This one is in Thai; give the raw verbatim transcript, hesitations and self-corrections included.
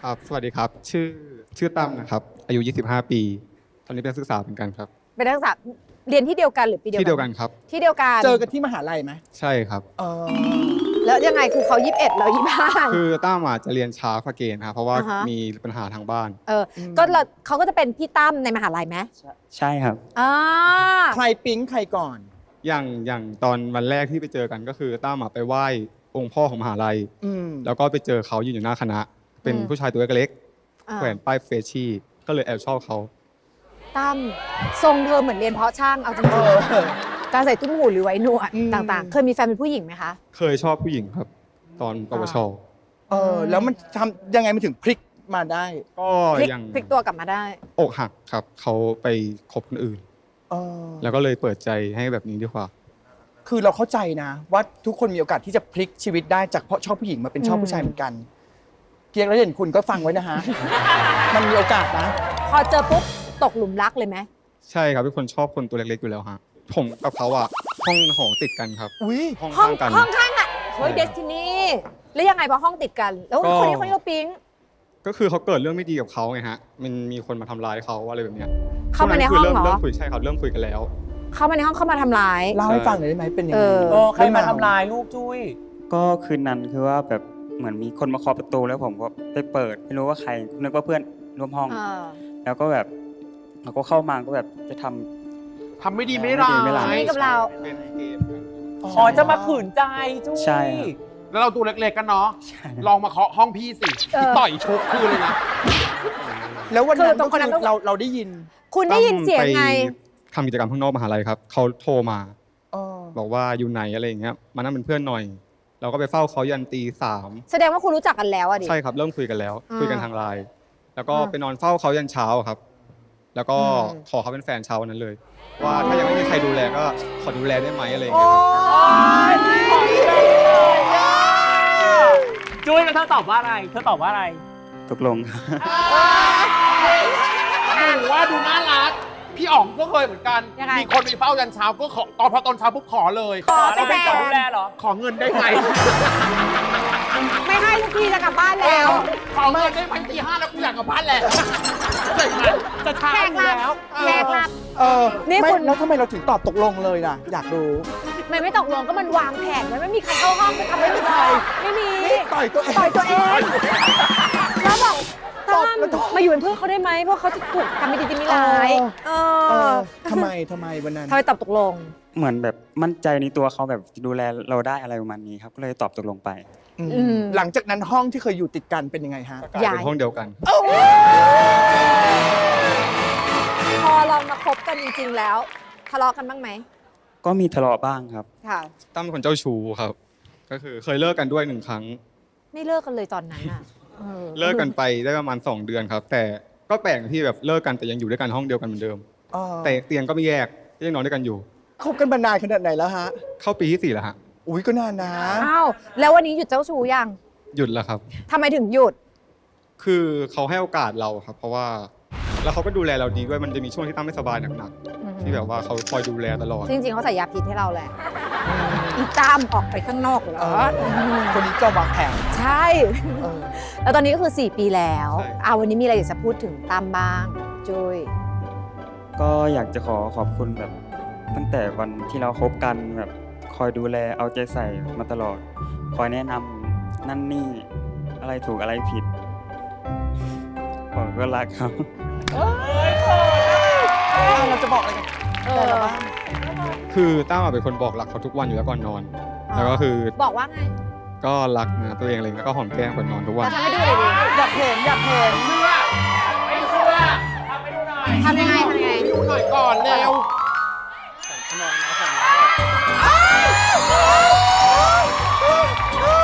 ครับสวัสดีครับชื่อชื่อตั้มนะครับอายุยี่สิบห้าปีตอนนี้เป็นนักศึกษาเหมือนกันครับเป็นนักศึกษาเรียนที่เดียวกันหรือปีเดียวกันที่เดียวกันครับที่เดียวกันเจอกันที่มหาลัยไหมใช่ครับเออแล้วยังไงคือเขายี่สิบเอ็ดเรายี่สิบห้าคือตั้มอาจจะเรียนช้ากว่าเกณฑ์ครับเพราะว่าอ่าฮะมีปัญหาทางบ้านเออก็เราเขาก็จะเป็นพี่ตั้มในมหาลัยไหมใช่ครับอ่าใครปิ๊งใครก่อนอย่างอย่างตอนวันแรกที่ไปเจอกันก็คือตั้มอะไปไหว้องค์พ่อของมหาลัยอืมแล้วก็ไปเจอเขายืนอยู่หน้าคณะ เป็นผู้ชายตัวเล็กอ่าๆแขวนป้ายเฟชชี่ก็เลยแอบชอบเขาตั้มทรงเธอเหมือนเรียนเพาะช่างเอาจริงๆการใส่ตุ้มหูหรือไว้หนวดต่างๆ เคยมีแฟนเป็นผู้หญิงไหมคะเคยชอบผู้หญิงครับ ตอนปวชเออแล้วมันทำยังไงมันถึงพลิกมาได้ก็พลิกยังพลิกตัวกลับมาได้อกหักครับเขาไปคบคนอื่นเออแล้วก็เลยเปิดใจให้แบบนี้ดีกว่าคือเราเข้าใจนะ ว่าทุกคนมีโอกาสที่จะพลิกชีวิตได้จากเพราะชอบผู้หญิงมาเป็นชอบอืมผู้ชายเหมือนกัน เกียงแล้วเห็นคุณก็ฟังไว้นะฮะ มันมีโอกาสนะพอเจอปุ๊บตกหลุมรักเลยไหมใช่ครับเป็นคนชอบคนตัวเล็กๆอยู่แล้วฮะผมกับเขาอะห้องหอติดกันครับอุ้ยห้องห้องข้างกันห้องข้างอ่ะเฮ้ยใช่เดสตินีแล้วยังไงพอห้องติดกัน แล้วก็คนนี้คนนี้เราปิ๊งก็คือเขาเกิดเรื่องไม่ดีกับเขาไงฮะมันมีคนมาทำร้ายเขาอะไรแบบเนี้ยเข้ามาในห้องช่วเหรเริ่มอเริ่มคุยใช่ครับเริ่มคุยกันแล้วเข้ามาในห้องเข้ามาทำร้ายเล่าให้ฟังหน่อยได้ไหมเป็นยังเอไงอเออใครมาทำลายลูกจุ้ยก็คืนนั้นคือว่าแบบเหมือนมีคนมาเคาะประตูแล้วผมก็ไปเปิดไม่รู้ว่าใครนึกว่าเพื่อนร่วมห้องเออแล้วก็แบบเราก็เข้ามาก็แบบจะทำทำไม่ดีไม่ร้าไม่ดีไม่ร้ายยนี่กับเราเป็นเกมอ๋อจะมาขืนใจจุ้ยใช่ครับแล้วเราตัวเล็กๆกันเนาะใช่ลองมาเคาะห้องพี่สิเออต่อยชกคืนเลยนะแล้ววันนั้นคือตรก็งคนนั้นคืต้องอเราเราได้ยินคุณได้ยินเสียงไงทำกิจกรรมข้างนอกมหาลัยครับเขาโทรมาเออบอกว่าอยู่ไหนอะไรอย่างเงี้ยมานั่งเป็นเพื่อนหน่อย เราก็ไปเฝ้าเขายันตีสามแสดงว่าคุณรู้จักกันแล้วอะดิใช่ครับเริ่มคุยกันแล้วอ่าคุยกันทางไลน์แล้วก็อ่าไปนอนเฝ้าเขายันเช้าครับ แล้วก็อืมขอเขาเป็นแฟนเช้าวันนั้นเลย ว่าถ้ายังไม่มีใครดูแลก็ขอดูแลได้ไหมอะไรอย่างโอ้เงี้ยครับยจุ้ยแล้วเธอตอบว่าอะไร เธอตอบว่าอะไรตกลงครับหนูว่าดูน่ารัก พี่อ๋องก็เคยเหมือนกันยังไงมีคนไปเฝ้ายันเช้าก็ขอตอนพอตอนเช้าปุ๊บขอเลยขอเป็นแฟนดูแลเหรอ ขอเงินได้ไหมไม่ให้ทุกทีจะกลับบ้านแล้วขอเงินได้ไหมตีห้าแล้วกูอยากกลับบ้านแหละจะเช้าอยู่แล้วแขกรับเออนี่ไม่คุณแล้วทำไมเราถึงตอบตกลงเลยล่ะ อยากรู้มันไม่ตกลงก็มันวางแผนไว้ไม่มีใครเข้าห้องจะทำไม่มีใครไม่มีต่อยตัวเองต่อยตัวเอง แล้วบอกตตั้บมแล้วตบมาอยู่เป็นเพื่อนเขาได้ไหมเพราะเขาจะถูกทำไม่ดีจะไม่ร้ายเอเอออทำไมทำไมวันนั้นทำไมตอบตกลงเหมือนแบบมั่นใจในตัวเขาแบบดูแลเราได้อะไรประมาณนี้ครับก็เลยตอบตกลงไปอืมอืมหลังจากนั้นห้องที่เคยอยู่ติดกันเป็นยังไงฮะกลายเป็นห้องเดียวกันพอลองมาคบกันจริงๆแล้วทะเลาะกันบ้างไหมก็มีทะเลาะบ้างครับค่ะตั้มเป็นคนเจ้าชู้ครับ ก็คือเคยเลิกกันด้วยหนึ่งครั้งไม่เลิกกันเลยตอนนั้นอ่ะออเลิกกันไปได้ประมาณสองเดือนครับ แต่ก็แปลกที่แบบเลิกกันแต่ยังอยู่ด้วยกันห้องเดียวกันเหมือนเดิมเออแต่เตียงก็ไม่แยกก็ยังนอนด้วยกันอยู่คบกันมานานขนาดไหนแล้วฮะเข้าปีที่สี่แล้วฮะอุ้ยก็นานนะอ้าวแล้ววันนี้หยุดเจ้าชู้ยังหยุดแล้วครับทำไมถึงหยุดคือเขาให้โอกาสเราครับ เพราะว่าแล้วเขาก็ดูแลเราดีด้วยมันจะมีช่วงที่ตั้มไม่สบายหนักๆที่แบบว่าเขาคอยดูแลตลอดจริงๆเขาใส่ยาพิษให้เราแหละอีตามออกไปข้างนอกเหรอเออ คนนี้ก็วางแผนใช่เออแล้วตอนนี้ก็คือสี่ปีแล้วใช่เอาวันนี้มีอะไรอยากจะพูดถึงตามบ้างจุ้ยก็อยากจะขอขอบคุณแบบตั้งแต่วันที่เราคบกันแบบคอยดูแลเอาใจใส่มาตลอด คอยแนะนำนั่นนี่อะไรถูกอะไรผิดผมก็รักครับเอาเราจะบอกอะไรกันเอแต่อละบ้างคือตั้มอะเป็นคนบอกรักเขาทุกวันอยู่แล้วก่อนนอน แล้วก็คือบอกว่าไงก็รักนะตัวเองอะไรแล้วก็หอมแก้มก่อนนอนทุกวันเราทำให้ดูเลยดิอยากเห็นอยากเห็นเชื่อไม่เชื่อทำให้ดูหน่อยทำยังไงทำยังไงดูหน่อยก่อนเร็